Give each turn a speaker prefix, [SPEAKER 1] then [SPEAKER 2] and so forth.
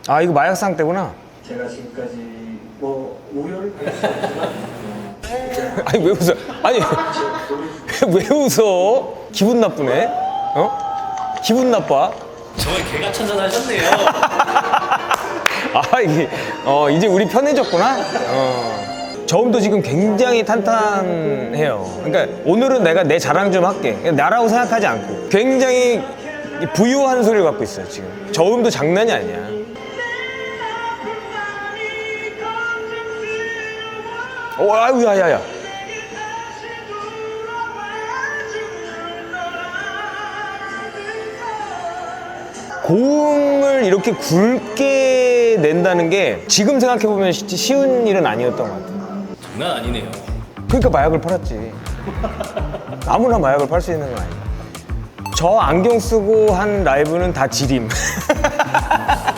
[SPEAKER 1] 아, 이거 마약상 때구나.
[SPEAKER 2] 제가 지금까지 뭐 우려를 받았지만
[SPEAKER 1] 아니, 왜 웃어? 아니, 왜 웃어? 기분 나쁘네? 어? 기분 나빠?
[SPEAKER 3] 정말 개가천선하셨네요.
[SPEAKER 1] 아, 이게, 이제 우리 편해졌구나? 저음도 지금 굉장히 탄탄해요. 그러니까 오늘은 내가 내 자랑 좀 할게. 그냥 나라고 생각하지 않고. 굉장히 부유한 소리를 갖고 있어요, 지금. 저음도 장난이 아니야. 아유, 야야야. 고음을 이렇게 굵게 낸다는 게 지금 생각해보면 쉬운 일은 아니었던 것 같아요.
[SPEAKER 3] 장난 아니네요.
[SPEAKER 1] 그러니까 마약을 팔았지. 아무나 마약을 팔 수 있는 건 아니야. 저 안경 쓰고 한 라이브는 다 지림.